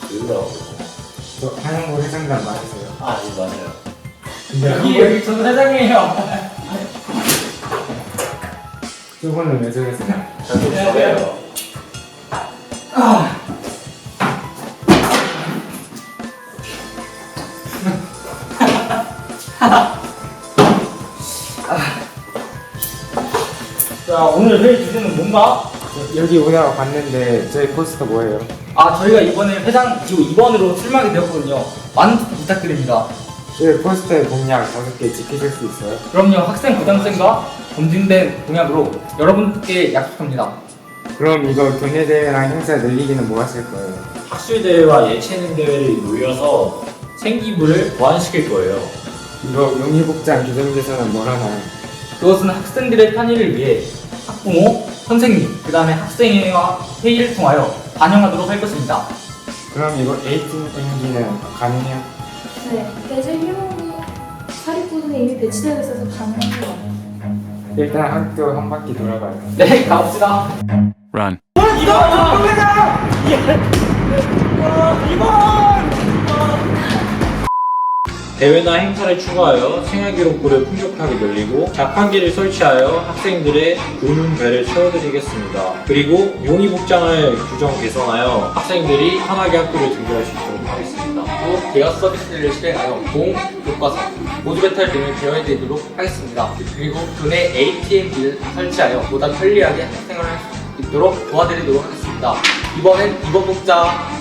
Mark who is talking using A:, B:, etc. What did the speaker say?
A: 누구라고?
B: 저 한영구 회장단 맞으세요?
A: 아, 예, 맞아요.
B: 근데
C: 여기 전 회장이에요.
B: 저분은 왜 저러세요?
A: 저도 저예요.
C: 자, 오늘 회의 주제는 뭔가?
B: 여기 오다가 봤는데 저희 포스터 뭐예요?
C: 저희가 이번에 회장 기호 2번으로 출마하게 되었거든요. 많은 투표 부탁드립니다.
B: 저희 포스터의 공약 5개 지키실 수 있어요?
C: 그럼요, 학생 부담생과 검증된 공약으로 여러분께 약속합니다.
B: 그럼 이거 교내대회랑 행사 늘리기는 뭐 하실 거예요?
A: 학술대회와 예체능 대회를 모여서 생기부를 보완시킬 거예요.
B: 이거 용의복장 규정 개선은 뭘 하나요?
C: 그것은 학생들의 편의를 위해 학부모, 선생님, 그 다음에 학생회와 회의를 통하여 반영하도록 할 것입니다.
B: 그럼 이거 에이팅 땡기는 가능해요?
D: 네, 대전 휴무부 사립고등에 이미 배치되어 있어서 가능한 거 같아요.
B: 일단 학교 한 바퀴 돌아가요.
C: 네, 가봅시다.
E: Run.
A: 대회나 행사를 추가하여 생활기록부를 풍족하게 늘리고 자판기를 설치하여 학생들의 의문배를 채워드리겠습니다. 그리고 용의복장을 규정 개선하여 학생들이 편하게 학교를 등교할 수 있도록 하겠습니다.
C: 또 대여 서비스를 실행하여 공, 교과서, 모두 배탈 등을 대여해드리도록 하겠습니다. 그리고 교내 ATM기를 설치하여 보다 편리하게 학생을 할 수 있도록 도와드리도록 하겠습니다. 이번엔 이번 복장